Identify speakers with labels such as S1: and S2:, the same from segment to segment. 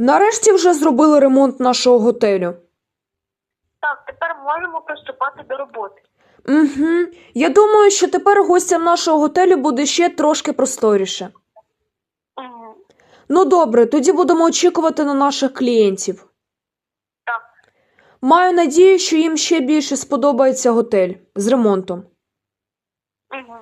S1: Нарешті вже зробили ремонт нашого готелю.
S2: Так, тепер можемо приступати до роботи.
S1: Угу. Я думаю, що тепер гостям нашого готелю буде ще трошки просторіше.
S2: Угу.
S1: Ну добре, тоді будемо очікувати на наших клієнтів.
S2: Так.
S1: Маю надію, що їм ще більше сподобається готель з ремонтом.
S2: Угу.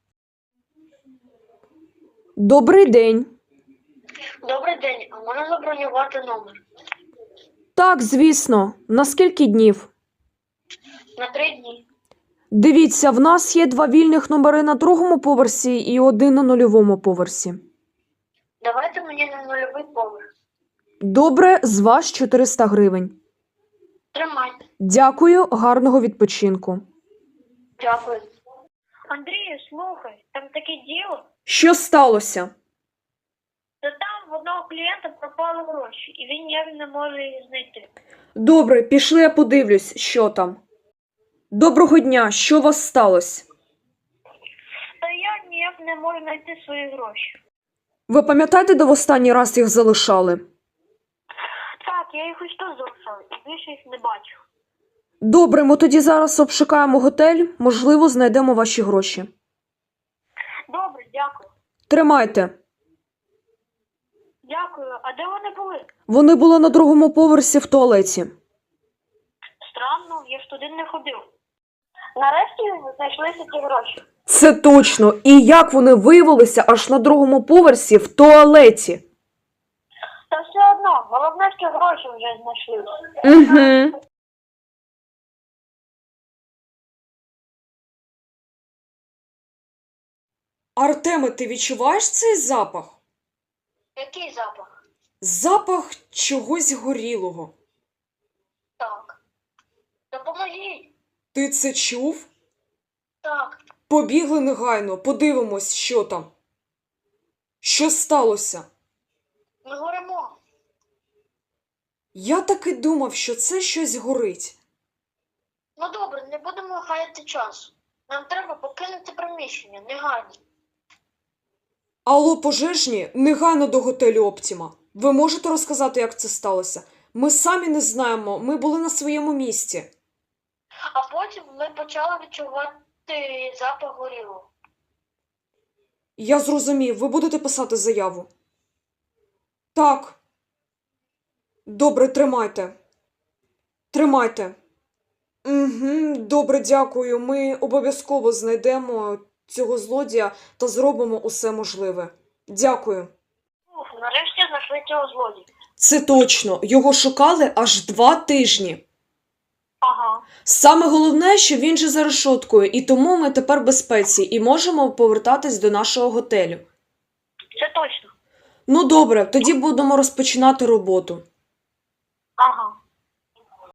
S1: Добрий день.
S2: Добрий день, а можна забронювати номер?
S1: Так, звісно. На скільки днів?
S2: На 3 дні.
S1: Дивіться, в нас є 2 вільних номери на 2-му поверсі і 1 на 0-му поверсі.
S2: Давайте мені на 0-й поверх.
S1: Добре, з вас 400 гривень.
S2: Тримайте.
S1: Дякую, гарного відпочинку.
S2: Дякую. Андрію, слухай, там таке діло.
S1: Що сталося?
S2: Та там в одного клієнта пропали гроші, і він ніяк не може їх знайти.
S1: Добре, пішли, я подивлюсь, що там. Доброго дня, що у вас сталося?
S2: Та я ніяк не можу знайти свої гроші.
S1: Ви пам'ятаєте, де в останній раз їх залишали?
S2: Так, я їх ось тут залишав, і більше їх не бачу.
S1: Добре, ми тоді зараз обшукаємо готель, можливо, знайдемо ваші гроші.
S2: Добре, дякую.
S1: Тримайте.
S2: Дякую. А де вони були?
S1: Вони були на 2-му поверсі в туалеті.
S2: Странно, я ж туди не ходив. Нарешті знайшлися ті гроші.
S1: Це точно. І як вони виявилися аж на 2-му поверсі в туалеті?
S2: Та все одно, головне, що гроші вже знайшлися.
S1: Угу. Артеме, ти відчуваєш цей запах?
S2: Який запах?
S1: Запах чогось горілого.
S2: Так. Допоможіть.
S1: Ти це чув?
S2: Так.
S1: Побігли негайно, подивимось, що там. Що сталося?
S2: Ми горимо.
S1: Я так і думав, що це щось горить.
S2: Ну добре, не будемо гаяти часу. Нам треба покинути приміщення, негайно.
S1: Алло, пожежні, негайно до готелю Оптіма. Ви можете розказати, як це сталося? Ми самі не знаємо, ми були на своєму місці.
S2: А потім ми почали відчувати запах горілого.
S1: Я зрозумів, ви будете писати заяву? Так. Добре, тримайте. Тримайте. Угу, добре, дякую. Ми обов'язково знайдемо цього злодія та зробимо усе можливе. Дякую.
S2: Ух, нарешті знайшли цього злодія.
S1: Це точно. Його шукали аж 2 тижні.
S2: Ага.
S1: Саме головне, що він же за решоткою, і тому ми тепер в безпеці і можемо повертатись до нашого готелю.
S2: Це точно.
S1: Ну добре, тоді будемо розпочинати роботу.
S2: Ага.